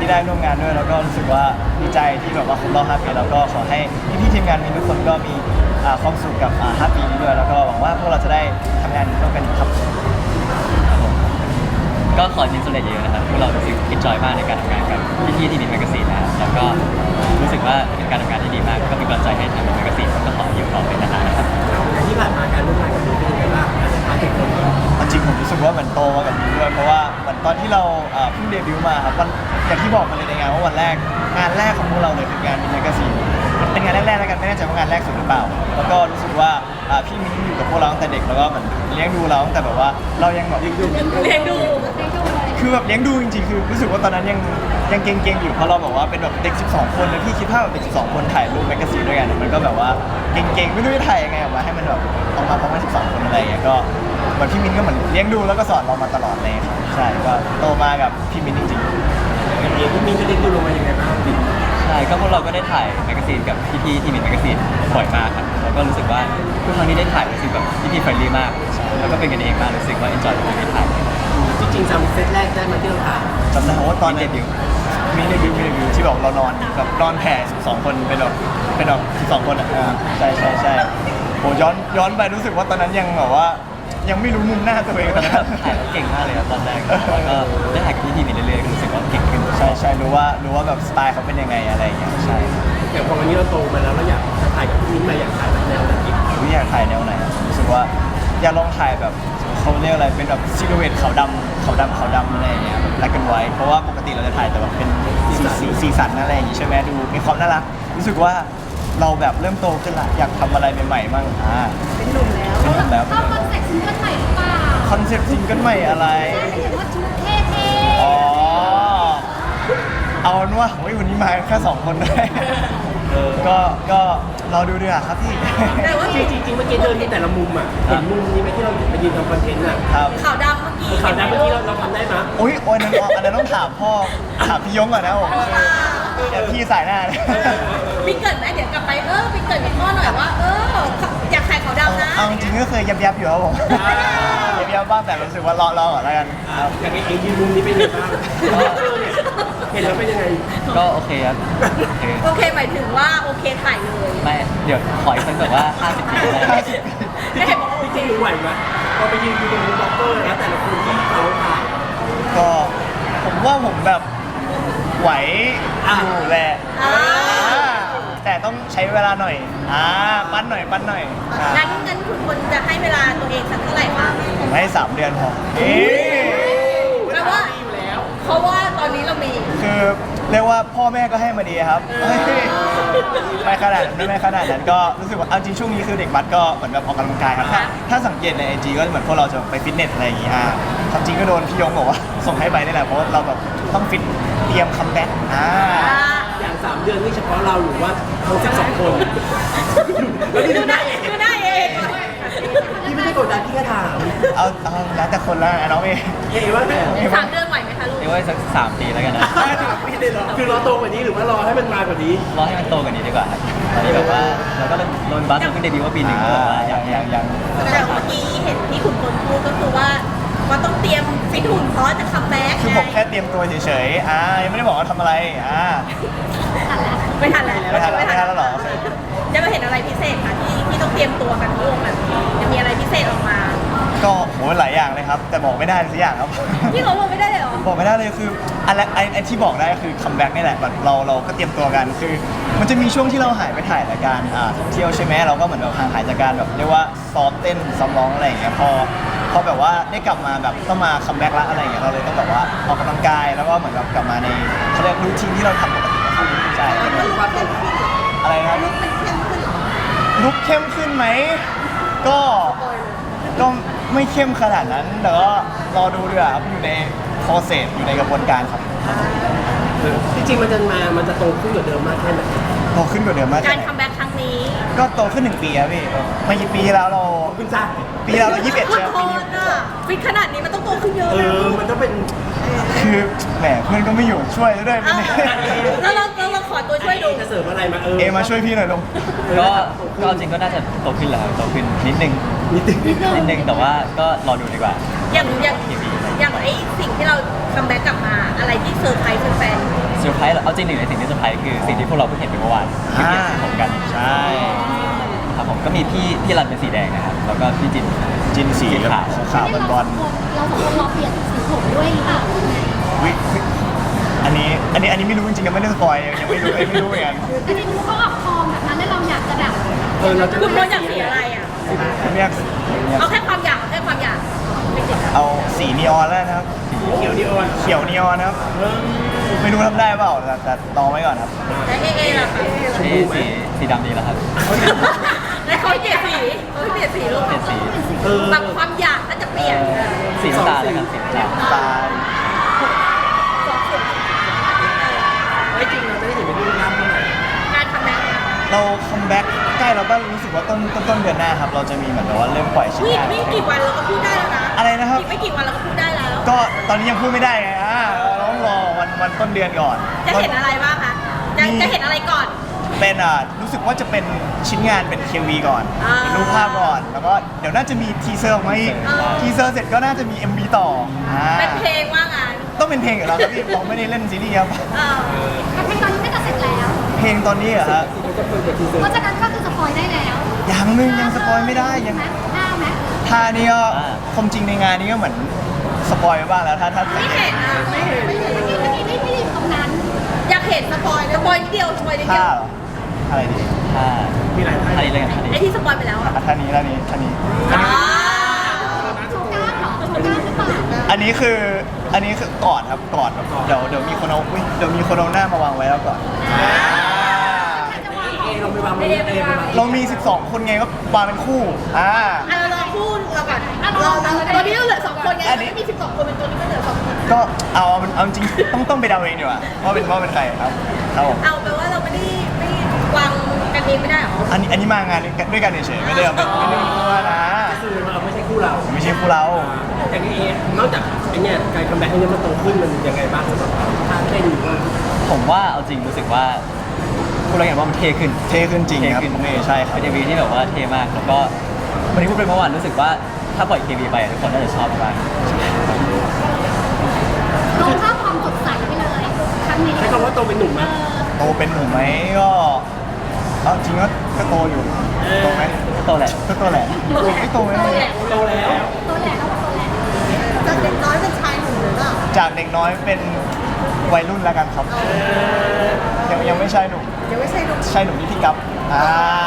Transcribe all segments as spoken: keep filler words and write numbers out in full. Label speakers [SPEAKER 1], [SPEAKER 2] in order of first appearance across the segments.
[SPEAKER 1] ที่ได้ร่วมงานด้วยแล้วก็รู้สึกว่าดีใจที่แบบว่าครบรอบห้าปีแล้วก็ขอให้พี่ๆทีมงานมีทุกคนก็มีความสุขกับห้าปีนี้ด้วยแล้วก็หวังว่าพวกเราจะได้ทำงานร่วมกันอีกครับ
[SPEAKER 2] ก็ขอทีมสำเร็จเยอะนะครับพวกเรารู้สึกเอนจอยมากในการทำงานกับพี่ๆที่มีแมกกาซีนนะครับแล้วก็รู้สึกว่าเป็นการทำงานที่ดีมากก็เป็นกำลังใจให้ทางแมกกาซีนก็ขออยู่ต่อไปนานๆนะครับ
[SPEAKER 3] ที่ผ่านมาการร่วมงานกับพี่เป็นยังไงบ้างมาถึงตรงนี้
[SPEAKER 1] จริงผมรู้สึกว่าเหมือนโตมากับนี้ด้วยเพราะว่าเหมือนตอนที่เราเพิ่งเดบิวต์มาครับวันอย่างที่บอกมาเลยในงานว่าวันแรกงานแรกของพวกเราเลยคืองานมินแมกกาซีนมันเป็นงานแรกๆแล้วกันไม่แน่ใจว่างานแรกสุดหรือเปล่าแล้วก็รู้สึกว่าพี่มิ้นอยู่กับพวกเราตั้งแต่เด็กแล้วก็เหมือนเลี้ยงดูเราตั้งแต่แบบว่าเรายังแบบ
[SPEAKER 4] เลี้ยงดู
[SPEAKER 1] คือแบบเลี้ยงดูจริงๆคือรู้สึกว่าตอนนั้นยังยังเก่งๆอยู่เพราะเราบอกว่าเป็นแบบเด็กสิบสองคนเลยพี่คิดภาพแบบเด็กสิบสองคนถ่ายรูปแมกกาซีนด้วยกันมันก็แบบว่าเก่งๆไม่รู้จะถ่ายยังไงออกมาให้มันแบบออกมาพร้อมกันสิบสองคนอะไรอย่างเงี้ยก็เหมือนพี่มิ้นก็เหมือนเลี้ยงดูแล้วก็สอนเรามาตลอดเลยครับใช่ก็โตมากับพี่มิ้นจริง
[SPEAKER 3] ๆอย่างนี้พี่มิ้นก็เลี้ยงดูลงมาอย่างไรบ้าง
[SPEAKER 2] ใช่ก็พวกเราก็ได้ถ่ายแมกกาซีนกับพี่ๆที่มีแมกกาซีนบ่อยมากครับแล้วก็รู้สึกว่าทุกครั้งที่ได้ถ่ายรู้สึกแบบพี่ๆเฟรนลี่มากแล้วก็เป็นกันเองมากรู้สึกว่าเอนจอยกับการถ่าย
[SPEAKER 3] จริงๆจำเซตแรกได้มาที่เราถ่าย
[SPEAKER 1] จำได้ว่าตอนเดบิวต์มีเดบิวต์มีเดบิวต์ที่บอกเรานอนแบบนอนแผ่สิบสองคนเป็นแบบเป็นแบบสิบสองคนอ่ะใช่ใช่ใช่โหย้อนย้อนไปรู้สึกว่าตอนนั้นยังแบบว่ายังไม่รู้มุมหน้าตัวเอง
[SPEAKER 2] ตอนนั้นถ่ายเก่งมากเลยครับตอนแรกแล้วก็ได้ถ่ายกับพี่ทีมีเรื่อยๆก็รู้สึกว่าเก่งขึ้น
[SPEAKER 1] ใช่ใช่รู้ว่ารู้ว่าแบบสไตล์เขาเป็นยังไงอะไรอย่างเงี้ยใช่
[SPEAKER 3] แต่พอวันนี้เราโตมาแล้วเราอยากจะถ่ายกับพี่มิ้นมาอยากถ่ายแบบแนวไหน
[SPEAKER 1] พี่อยากถ่ายแนวไหนรู้สึกว่าอยากลองถ่ายแบบเขาเรียกอะไรเป็นแบบซิลูเอตขาวดำขาวดำขาวดำอะไรอย่างเงี้ยแบบแบล็คแอนด์ไวท์เพราะว่าปกติเราจะถ่ายแต่แบบเป็นสีสีสันอะไรอย่างงี้ใช่ไหมดูมีความน่ารักรู้สึกว่าเราแบบเริ่มโตขึ้นละอยากทำอะไรใหม่ๆมั่งอ่า
[SPEAKER 4] เป็นหนุ่มแล้ว
[SPEAKER 1] เป็นหนุ่มแล้ว
[SPEAKER 4] ก็คอนเซ็ปต์ซิงเกิลใหม่หรือเปล่า
[SPEAKER 1] คอนเซ็ปต์ซิงเกิลใหม่อะไร
[SPEAKER 4] ใช่เห็นว่าชุดเท่ๆ
[SPEAKER 1] อ๋อเอาเป็นว่าโอ้ยวันนี้มาแค่สองคนด้วยก็ก็เราดูดีกว่าครับพี่
[SPEAKER 3] แต่ว่าจริงๆเมื่อกี้เดินที่แต่ละมุมอ่ะเห็นมุมนี้ไหมที่เราไปยืนทำคอนเทนต์อ่ะ
[SPEAKER 1] ครับ
[SPEAKER 4] ขาวดำเมื่อกี้
[SPEAKER 3] ขาวดำเมื่อกี้เราเราทำได้ไหม
[SPEAKER 1] โอ้ยโอ้ยนั่นอันนั้นต้องถามพ่อถามพี่ยงก่อนนะผมอย่าพี่สายหน้าเลย
[SPEAKER 4] มีเกิดไหมเดี๋ยวกลับไปเออมีเกิดมีพ่อหน่อยว่าเอออยากขายขาวดำนะ
[SPEAKER 1] เอาจริงก็เคยยับยับอยู่ครับผมยับยับบ้างแต่รู้สึกว่ารอรอก่อนแล้วกัน
[SPEAKER 3] อย่างไอ้ยืนมุมนี้เป็นยังไงบ้างเห็นแล้วเป็นยังไง
[SPEAKER 2] ก็โอเคครับ
[SPEAKER 4] โอเคหมายถึงว่าโอเคถ่ายเลย
[SPEAKER 2] ไม่เดี๋ยวขออีกสักแบบว่าห้าสิบปี
[SPEAKER 1] ห้าสิบ
[SPEAKER 4] ไม่เห็นบอก
[SPEAKER 3] จริงๆไหวไหมพอไปยืนอยู่ตรงบล็อกเกอร์แล้วแต่ละคนที่เขาถ่าย
[SPEAKER 1] ก็ผมว่าผมแบบไหวอยู่แหละแต่ต้องใช้เวลาหน่อยอ่าปั้นหน่อยปั้นหน่อย
[SPEAKER 4] งั้นงั้นคุณควรจะให้เวลาตัวเองสักเท่าไหร่คะ
[SPEAKER 1] ผมให้สามเดือนพอเอ๊
[SPEAKER 4] แปลว่าเพราะว่าตอนนี้เรามี
[SPEAKER 1] คือเรียกว่าพ่อแม่ก็ให้มาดีครับไม่ขนาดนั้นไม่ขนาดนั้นก็รู้สึกว่าเอาจริงช่วงนี้คือเด็กบัสก็เหมือนแบบออกกำลังกายครับถ้าสังเกตในไอจีก็เหมือนพวกเราจะไปฟิตเนสอะไรอย่างงี้อ่ะความจริงก็โดนพี่ยงบอกว่าส่งให้ไปนี่แหละเพราะเราแบบต้องฟิตเตรียมคัมแบ็กอ่า
[SPEAKER 3] อย่างสามเดือนนี่เฉพาะเราหรือว่าทั้งสิบสองคน
[SPEAKER 4] ดูได้ดูได้เอง
[SPEAKER 3] พี่ไม่ได้กดดันพี่แค่ถาม
[SPEAKER 1] เอาเอาแล้วแต่คนละน้องเอง
[SPEAKER 3] เอ๋ว่า
[SPEAKER 4] สามเดือนไหวไหมคะลูก
[SPEAKER 2] เอ๋ว่าสักสามปีแล้วกันนะ
[SPEAKER 3] สามปีเลยเหรอคือรอโตกว่านี้หรือว่ารอให้มันมากว่านี้
[SPEAKER 2] รอให้มันโตกว่านี้ดีกว่าครับตอนนี้แบบว่าเราก็โดนบัสเราเพิ่งเดบิวต์ว่าปีหนึ่งแบบว่า
[SPEAKER 1] อย่างอย่างอย่าง
[SPEAKER 4] แต่เมื่อกี้เห็นที่คุณคนพูดก็คือว่าว่าต้องเตรียมฟิตหุ่นเพราะจะคัมแบ็ก
[SPEAKER 1] คือผมแค่เตรียมตัวเฉยๆอ่ายังไม่ได้บอกว่าทำอะไรอ่า
[SPEAKER 4] ไม่ทันแล้ว
[SPEAKER 1] ไม่ทันแล้วไม่ทันแล้วหรอ
[SPEAKER 4] จะมาเห็นอะไรพิเศษคะที่ที่ต้องเตรียมตัวกันทั้งวงแบบนี้จะมีอะไรพิเศษออกมา
[SPEAKER 1] ก็โหหลายอย่างเลยครับแต่บอกไม่ได้สักอย่างครับ
[SPEAKER 4] ที่เขาบอกไม่ได้เลยเหรอ
[SPEAKER 1] บอกไม่ได้เลยคืออะไรไอ้ไอ้ที่บอกได้ก็คือคัมแบ็กนี่แหละแบบเราเราก็เตรียมตัวกันคือมันจะมีช่วงที่เราหายไปถ่ายรายการอ่าท่องเที่ยวใช่ไหมเราก็เหมือนแบบห่างหายจากการแบบเรียกว่าซ้อมเต้นซ้อมร้องอะไรอย่างเงี้ยพอพอแบบว่าได้กลับมาแบบต้องมาคัมแบ็กละอะไรอย่างเงี้ยเราเลยต้องแบบว่าออกกำลังกายแล้วก็เหมือนแบบกลับมาในเขาเรียกรูทีนที่เราทำปกติครับใช่อะไรครับลุกเข้มขึ้นไหมก็ก็ไม่เข้มขนาดนั้นแต่ก็รอดูดีกว่าครับอยู่ในโปรเซสอยู่ในกระบวนการครับ
[SPEAKER 3] จริงๆมันจะมามันจะโตขึ้นกว่าเดิมมากแค่ไหน
[SPEAKER 1] โตขึ้นกว่าเดิมมาก
[SPEAKER 4] การคัมแบ็กครั้งนี้
[SPEAKER 1] ก็โตขึ้นหนึ่งปีครับพี่ไม่กี่ปีที่แล้วเรา
[SPEAKER 3] ขึ้นจ้า
[SPEAKER 1] ปีแล้วเรายี่สิบเอ็ดใช่ไหมปีนี้
[SPEAKER 4] ฟิตขนาดนี้มันต้องโตขึ้นเยอะ
[SPEAKER 3] เออมันต้องเป็น
[SPEAKER 1] คือแหมเพื่อนก็ไม่อยู่ช่วยด้วย
[SPEAKER 4] แล้วเราเราขอตัวช่วยดู
[SPEAKER 3] จะเสริมอะไรมาเอ
[SPEAKER 1] อเอมาช่วยพี่หน่อยลง
[SPEAKER 2] ก็ก็จริงก็น่าจะโตขึ้นแล้วโตขึ้นนิดนึง
[SPEAKER 3] นิดนึง
[SPEAKER 2] นิดนึงแต่ว่าก็รอดูดีกว่า
[SPEAKER 4] อย่างอย่างอย่างไอ้สิ่งที่เราคัมแบ็กกลับมาอะไรที่เซอร์ไพรส์แฟน
[SPEAKER 2] เซร์ไพรส์เอาจริงหนึ่งในสิ่งที่เซอร์ไพรส์คือสิ่งที่พวกเราเพิ่งเห็นไปเมื่อวานที่เปลี่ยนสีผมกัน
[SPEAKER 1] ใช่
[SPEAKER 2] ครับผมก็มีพี่พี่รันเป็นสีแดงนะครับแล้วก็พี่จิน
[SPEAKER 1] จินสี
[SPEAKER 2] สีขาว
[SPEAKER 1] ขาวบอล
[SPEAKER 5] เราสองคนเราเปลี่ยนสีผมด้วยหรือเปล่า
[SPEAKER 1] ๆวิอันนี้อันนี้อันนี้ไม่รู้จริงๆยังไม่ได้สปอยยังยังไม่รู้ยังไม่รู้เหมือนกัน
[SPEAKER 5] อันนี้รู้เขาออกฟอร์มแบบนั้นแล้วเราอยากจะแบบ
[SPEAKER 3] เออเราจะ
[SPEAKER 4] คุณโพสอยากสีอะไรอ่ะ
[SPEAKER 1] ผมอยาก
[SPEAKER 4] เอาแค่ความอยากเอาแค่ความอยากไม่ติด
[SPEAKER 1] เอาสีนีออนแล้วนะครับ
[SPEAKER 3] เขียวดีออน
[SPEAKER 1] เขียวนีออนนะครับไม่รู้ทำได้เปล่าแต่แต่ลองไว้ก่อนครับ
[SPEAKER 4] แล้วเอเอล่ะคะ
[SPEAKER 2] สีสีสีดำดีแล้วครับ
[SPEAKER 4] แล้วเขาเปลี่ยนสีเขาเปลี่ยนสีลูก
[SPEAKER 2] เปลี่ยนสี
[SPEAKER 3] เออ
[SPEAKER 4] แบบความอยากน่าจะเปลี่ยน
[SPEAKER 2] สีน้ำตาลแล้วกันสีน้ำตาล
[SPEAKER 1] ตาย
[SPEAKER 3] ไม่จริงเราจะได้เห็นเป็นรูปร่างเมื่อไหร่
[SPEAKER 4] การทำแบ็ค
[SPEAKER 1] เราคัมแบ็กใกล้เราก็รู้สึกว่าต้นต้นต้นเดือนหน้าครับเราจะมีเหมือนแบบว่าเริ่มปล่อยชิ้น
[SPEAKER 4] วิ่ง
[SPEAKER 1] งาน
[SPEAKER 4] วิ่งกี่วันเราก็พูดได้แล้วนะ
[SPEAKER 1] อะไรนะครับ
[SPEAKER 4] อีกไม่กี่วันเราก็พูดได้แล้ว
[SPEAKER 1] ก็ตอนนี้ยังพูดไม่ได้ไงอ่าเราต้องรอวันวันต้นเดือนก่อน
[SPEAKER 4] จะเห็นอะไรบ้างคะจะจะเห็นอะไรก่อน
[SPEAKER 1] เป็นอ่ารู้สึกว่าจะเป็นชิ้นงานเป็น เค วี ก่อน
[SPEAKER 4] อ่า
[SPEAKER 1] เป็นรูปภาพก่อน แล้วก็เดี๋ยวน่าจะมีทีเซอร์ออกมาอีก
[SPEAKER 4] อ่า
[SPEAKER 1] ทีเซอร์เสร็จก็น่าจะมี เอ็ม วี ต่ออ่า
[SPEAKER 4] เป็นเพลงว่างาน
[SPEAKER 1] ต้องเป็นเพลงกับเราครับพี่เราไม่ได้เล่นซีรีส์ครับ
[SPEAKER 4] เออ
[SPEAKER 5] แต่เพลงตอนนี้น่าจะเสร็จแล้ว
[SPEAKER 1] เพลงตอนนี้เหรอะฮะ
[SPEAKER 3] มันจะเปิดกับทีเซอร์
[SPEAKER 5] เพราะฉะนั้นก็คือสปอยได้แล้ว
[SPEAKER 1] ยังนึงยังสปอยไม่ได้ยัง
[SPEAKER 5] ไหมห้าไหม
[SPEAKER 1] ท่านี้ก็ความจริงในงานนี้ก็เหมือนสปอยไปบ้างแล้วถ้าถ้า
[SPEAKER 4] ไม่เห็นอ่ะไม่เห็น
[SPEAKER 5] ไม่ใช่ไม่ไม่ไม่ไม่ตรงนั้น
[SPEAKER 4] อยากเห็นสปอยสปอยนิดเดียวสปอยนิดเดี
[SPEAKER 1] ท่า
[SPEAKER 4] ยว
[SPEAKER 1] เหรออะไรดี
[SPEAKER 2] ถ้า
[SPEAKER 3] มีหลายท่า
[SPEAKER 2] ท่านี้เลยกันท่านี้
[SPEAKER 4] ไอที่สปอยไปแล้วอ่ะ
[SPEAKER 1] อ่ะท่านี้ท่านี้ท่านี้
[SPEAKER 4] อ่า
[SPEAKER 5] โชว์กล้ามเหรอโชว์กล้ามหรือเปล่า
[SPEAKER 1] อันนี้คืออันนี้คือกอดครับกอดแบบเดี๋ยวเดี๋ยวมีคนเอาอุ๊ยเดี๋ยวมีคนเอาหน้ามาวางไว้แล้วก่อนอ่า
[SPEAKER 3] เอเราไปวางมือเอไปวาง
[SPEAKER 1] เรามี สิบสอง คนไงก็วางเป็นคู่อ่า
[SPEAKER 4] อ่ะเราลองพูดเราก่อนเราตัวนี้เราเหลือสองคนไง
[SPEAKER 1] อันนี้
[SPEAKER 4] ไม่มีสิบสองคนเป็นตัวนี้ก็เหลือสองคน
[SPEAKER 1] ก็เอาเอาเอาจริงต้องต้องไปเดาเองดีกว่าว่าเป็นว่าเป็นใครครับครับผม
[SPEAKER 4] เอาแปลว่าเราไม่ได้ไม่วางกันเองไม่ได้หรอ
[SPEAKER 1] อันนี้อันนี้มางานด้วยกันเฉยๆไม่ได้เอาไม่ไม่ได้มีคู่นะ
[SPEAKER 3] คือเราไม่ใช่คู่เรา
[SPEAKER 1] ไม่ใช่คู่เรา
[SPEAKER 3] แต่นี่เองนอกจากไอ้เนี่ยการคัมแบ็กเนี่ยมันโตขึ้นมันยังไงบ้างสำหรับเราท่าเต้นหรือว่า
[SPEAKER 2] ผมว่าเอาจริงรู้สึกว่าพูดแล้วกันว่ามันเท่ขึ้น
[SPEAKER 1] เท่ขึ้นจริงครับ
[SPEAKER 2] เท่ขึ้น
[SPEAKER 1] ผมเองใช่ครับ
[SPEAKER 2] เป็นเอวีที่แบบว่าเท่มากแล้วก็วันนี้พูดไปเมื่อวานรู้สึกว่าถ้าปล่อยเควีไปทุกคนน่าจะชอบมาก
[SPEAKER 5] ลงภาพความสดใสไปเลยครั้งนี้
[SPEAKER 3] ใช้คำว่าโตเป็นหนุ่มไหม
[SPEAKER 1] โตเป็นหนุ่มไหมก็เอาจริงก็ก็โตอยู่โตไหม
[SPEAKER 2] โตแหละ
[SPEAKER 1] ก็โตแหละไม่โตไหม
[SPEAKER 3] โตแล้ว
[SPEAKER 5] ตัวแหลกแล้วตัวแหลก
[SPEAKER 4] จากเด็กน้อยเป็นชายหนุ่มหรือเปล่า
[SPEAKER 1] จากเด็กน้อยเป็นวัยรุ่นแล้วกันครับยังยังไม่ใช่หนุ่ม
[SPEAKER 4] ยังไม่ใช่หนุ่ม
[SPEAKER 1] ใช่หนุ่มที่พี่กั๊บอ่า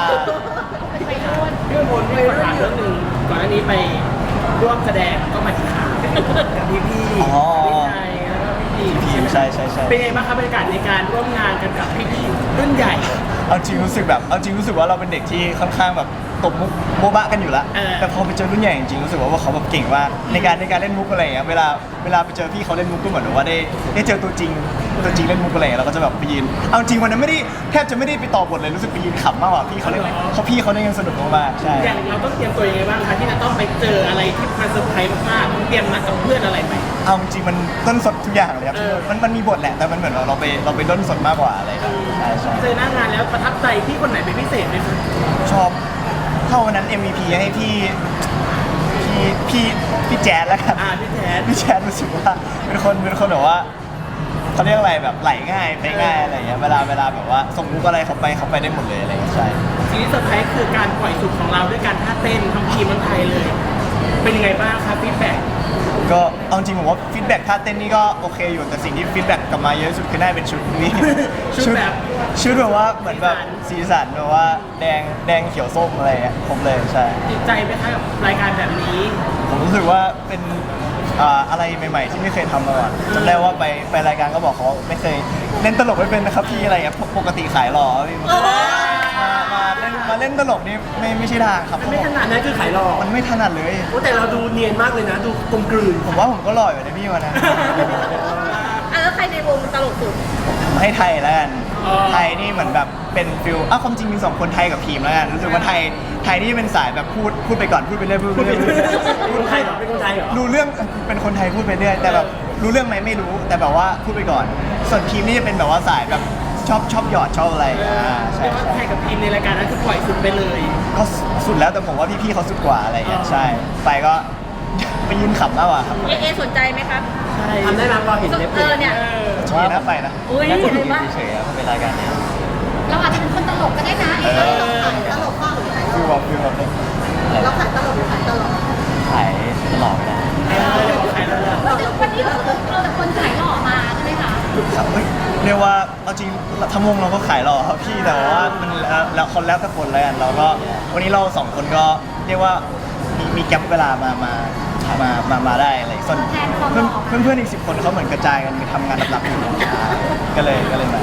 [SPEAKER 3] พี่พลไม่ถามเรื่องหนึ่งก่อนหน้านี้ไปร่วมแสดงก็มาที่ขากับพี่พี่พี่ชายแล้วก็พี่
[SPEAKER 1] พี่ใช่ใช่ใช่
[SPEAKER 3] เป็นไงบ้างครับบรรยากาศในการร่วมงานกันกับพี่พี่รุ่นใหญ่
[SPEAKER 1] เอาจริงรู้สึกแบบเอาจริงรู้สึกว่าเราเป็นเด็กที่ค่อนข้างแบบตบมุกโบ๊ะบะกันอยู่แล้ว
[SPEAKER 3] เออ
[SPEAKER 1] แต่พอไปเจอรุ่นใหญ่จริงๆรู้สึกว่าเขาแบบเก่งมากในการในการเล่นมุกอะไรอย่างเงี้ยเวลาเวลาไปเจอพี่เขาเล่นมุกก็เหมือนว่าได้ได้เจอตัวจริงตัวจริงเล่นมุกอะไรอย่างเงี้ยเราก็จะแบบไปยืนเอาจริงวันนั้นไม่ได้แทบจะไม่ได้ไปต่อบทเลยรู้สึกไปยืนขำมากกว่าพี่เขาเล่นเขาพี่เขาเล่นกันสนุกมากๆใช่
[SPEAKER 3] อย่างเราต้องเตรียมตัวยังไงบ้างคะที่จะต้องไปเจออะไรที่มันเซอร์ไพรส์มากๆต้องเตรียมมากับเพื่อนอะไรไหม
[SPEAKER 1] เอาจริงๆมันต้นสดทุกอย่างเลยครับ
[SPEAKER 3] เออ
[SPEAKER 1] มันมันมีบทแหละแต่มันเหมือนเราเราไปเราไปด้นสดมากกว่าอะไรครับใช่ใช่
[SPEAKER 3] เจอหน้างานแล้วประทับใจพี่คนไหนเป็นพิเศษไหมคะ
[SPEAKER 1] ชอบเท่าวันนั้น เอ็ม วี พี ให้พี่พี่พี่พี่แจ๊ดแล้วกัน
[SPEAKER 3] อ่าพี่แทน
[SPEAKER 1] พี่แจ๊ดรู้สึกว่าเป็นคนเป็นคนแบบว่าเขาเรียกอะไรแบบไหลง่ายไปง่ายอะไรอย่างเงี้ยเวลาเวลาแบบว่าส่งมุกอะไรเขาไปเขาไปได้หมดเลยอะไรอย่างเงี้ยใช่
[SPEAKER 3] สิ่งที่เซอร์ไพรส์คือการปล่อยสุดของเราด้วยการท่าเต้นทั้งทีมทั้งไทยเลย เป็นยังไงบ้างครับฟีดแบ็ก
[SPEAKER 1] ก็เอาจริงผมว่าฟีดแบ็กท่าเต้นนี่ก็โอเคอยู่แต่สิ่งที่ฟีดแบ็กกลับมาเยอะที่สุดคือน่าจะเป็นชุดนี้
[SPEAKER 3] ชุดแบบ
[SPEAKER 1] ชุดแบบว่าเหมือนแบบสีสันแบบว่าแดงแดงเขียวส้มอะไรอย่างเงี้ยครบเลยใช่
[SPEAKER 3] ติดใจไหมคะกับรายการแบบนี้
[SPEAKER 1] ผมรู้สึกว่าเป็นอ่าอะไรใหม่ๆ ที่ไม่เคยทำมาก่อนจำได้ว่าไปไปรายการก็บอกเขาไม่เคยเล่นตลกไม่เป็นนะครับพี่อะไรเงี้ยปกติขายหล่อพี่มามาเล่นมาเล่นตลกนี่ไม่ไม่ใช่ทางครับ
[SPEAKER 3] มันไม่ถนัดนะคือขายหลอก
[SPEAKER 1] มันไม่ถนัดเลย
[SPEAKER 3] โอ้แต่เราดูเนียนมากเลยนะ ดูกลมกลืน
[SPEAKER 1] ผมว่าผมก็หล่ออยู่นะพี่วันนั้น
[SPEAKER 4] อ่ะแล้วใครในวงตลกสุด
[SPEAKER 1] ให้ไทยแล้วกัน
[SPEAKER 3] อ๋อ
[SPEAKER 1] ไทยนี่เหมือนแบบเป็นฟิลอ้าวความจริงมีสองคนไทยกับพีมแล้วกันรู้สึกว่าไทยไทยนี่เป็นสายแบบพูดพูดไปก่อนพูดไปเรื่อยพูดไป
[SPEAKER 3] พูด
[SPEAKER 1] เรื่
[SPEAKER 3] เป็
[SPEAKER 1] อน ย
[SPEAKER 3] คนไทยเหรอเป็นคนไทยเหรอ
[SPEAKER 1] รู้เรื่องเป็นคนไทยพูดไปเรื่อยแต่แบบรู้เรื่องไหมไม่รู้แต่แบบว่าพูดไปก่อน ส่วนพีมนี่จะเป็นแบบว่าสายแบบชอบชอบหยอดชอบอะไรอ่าใช่
[SPEAKER 3] เรียกว่า
[SPEAKER 1] ใช่
[SPEAKER 3] ไทยกับทีมในรายการนั้นคือปล่อยสุดไปเลย
[SPEAKER 1] ก็สุดแล้วแต่ผมว่าพี่ๆเขาสุดกว่าอะไรอย่างเงี้ยใช่ไปก็ไปยืนขำมากกว่าครับ
[SPEAKER 4] เอเอสนใจไหมครับ
[SPEAKER 3] ทำได้ไหมพอเห็นเล็บ
[SPEAKER 4] เออเนี่ย
[SPEAKER 1] ช่วยนะไปนะ
[SPEAKER 4] อุ้ย
[SPEAKER 2] น่าจะ
[SPEAKER 4] เห็
[SPEAKER 2] อน ยู่
[SPEAKER 4] ปะ
[SPEAKER 2] เฉยๆครับเป็นรายการเนี้ย
[SPEAKER 5] เราอาจจะเป็นคนตลกก็ได้นะเอ๊ะเราขายตลกบ้างหรือขายต
[SPEAKER 1] ฟิ
[SPEAKER 5] ล
[SPEAKER 1] ว
[SPEAKER 5] ก
[SPEAKER 1] บอกฟิวบอกเลย
[SPEAKER 5] เราขายตลกหรือขายตลก
[SPEAKER 2] ขายตลอดเวลา
[SPEAKER 5] วันนี้วันนี้เราเราแต่คนขายหล่อมาใช่ไหมคะ
[SPEAKER 1] ครับเฮ้ยเรียกว่าเอาจริงทั้งวงเราก็ขายหล่อครับพี่แต่ว่ามันแล้วแล้วคนแล้วแต่คนแล้วกันเราก็วันนี้เราสองคนก็เรียกว่ามีมีแก๊ปเวลามามามามามาได้อะไรส่วนเพื่อนเพื่อนเพื่อนอีกสิบคนเขาเหมือนกระจายกันไปทำงานลับๆอยู่ก็เลยก็เลยมา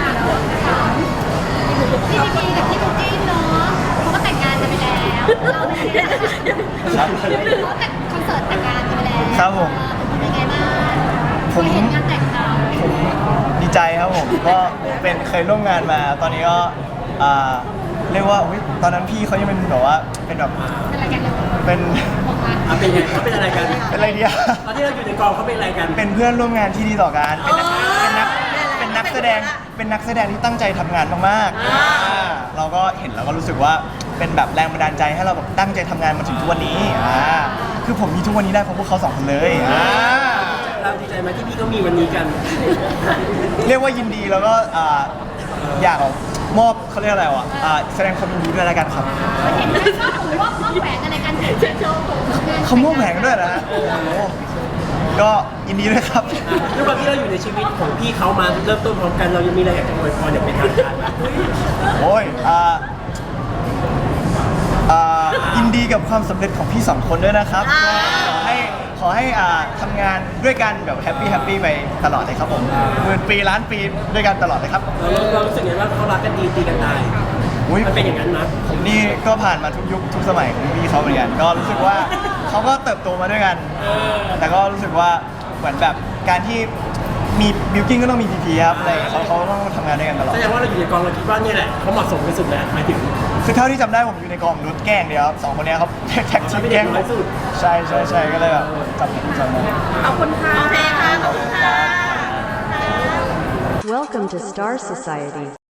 [SPEAKER 5] พี่พีกับพี่บุ๊กกี้เนาะเขาก็แต่งงานกันไปแล้วเราเนี่ย
[SPEAKER 1] ครับ
[SPEAKER 5] เขาแต่งคอนเสิร์ตแต่งงานกันไปแล้ว
[SPEAKER 1] ครับผม
[SPEAKER 5] เป็นไงบ้าง
[SPEAKER 1] ผม
[SPEAKER 5] เคยเห็นงานแต่งเรา
[SPEAKER 1] ผมดีใจครับผมก็เป็นเคยร่วมงานมา ตอนนี้ก็อ่าเรียกว่าอุ๊ยตอนนั้นพี่เขายังเป็นแบบว่าเป็นแบบ
[SPEAKER 5] เป็นอะไรกันเลย
[SPEAKER 1] เป็น
[SPEAKER 5] บอกมา
[SPEAKER 3] อ่ะเป็นไงเขาเป็นอะไรกัน
[SPEAKER 1] เป็นอะไรดีอะ
[SPEAKER 3] ตอนที่เราอยู่ในกองเขาเป็นอะไรกัน
[SPEAKER 1] เป็นเพื่อนร่วมงานที่ดีต่อกันเป็นนักเป็นนักเป็นนักแสดงเป็นนักแสดงที่ตั้งใจทำงานมากๆอ่าเราก็เห็นแล้วก็รู้สึกว่าเป็นแบบแรงบันดาลใจให้เราแบบตั้งใจทำงานมาถึงทุกวันนี้อ่าคือผมมีทุกวันนี้ได้เพราะพวกเขาสองคนเลยอ่า
[SPEAKER 3] เราดีใจไหมที่พี่ก็มีวันนี้กัน
[SPEAKER 1] เรียกว่ายินดีแล้วก็อ่าอยากมอบเขาเรียกอะไรวะอ่าแสดงความยินดีด้วยแล้วกันครับ
[SPEAKER 5] เห็นไหมว่าผมว่าว่าแหวนอะไรกันเห็นโชว์
[SPEAKER 1] เขามอบแหวนกันด้วยนะฮะโอ้โหก็ยินดีด้วยครับ
[SPEAKER 3] ด้วยความที่เราอยู่ในชีวิตของพี่เขามาเริ่มต้นพร้อมกันเรายังมีอะไรอยากจะอวยพรอย่างเป็นทางการไหม
[SPEAKER 1] โอ้ยอ่าอ่ายินดีกับความสำเร็จของพี่สองคนด้วยนะครับก็ขอให้ขอให้อ่าทำงานด้วยกันแบบแฮปปี้แฮปปี้ไปตลอดเลยครับผมหมื่นปีล้านปีด้วยกันตลอดเลยครับ
[SPEAKER 3] เราเรารู้สึกไงว่าเขารักกันดีตีกันตาย
[SPEAKER 1] อุ๊ย
[SPEAKER 3] มันเป็นอย่างนั้นนะ
[SPEAKER 1] ผมนี่ก็ผ่านมาทุกยุคทุกสมัยของพี่เขาเหมือนกัน ก็รู้สึกว่าเขาก็เติบโตมาด้วยกัน แต่ก็รู้สึกว่าเหมือนแบบการที่มีบิวกิ้งก็ต้องมีพีพีครับอะไรเขาเขาต้องทำงานด้วยกันตลอด
[SPEAKER 3] แสดงว่าเราอยู่ในกองเราคิดว่าเนี่ยแหละเขาเหมาะสมที่สุดแล้วหมายถึง
[SPEAKER 1] คือเท่าที่จำได้ผมอยู่ในกองรถแกล้งเดียวครับสองคนเนี้ยเขาแท็กทีมแกล้ง
[SPEAKER 3] เราเป็นเด็กน้อยสุด
[SPEAKER 1] ใช่ใช่ใช่ก็เลยแบบจำจำได้
[SPEAKER 4] ขอบคุณค่ะโอเคค่ะขอบคุณค่ะ
[SPEAKER 6] Welcome to Star Society.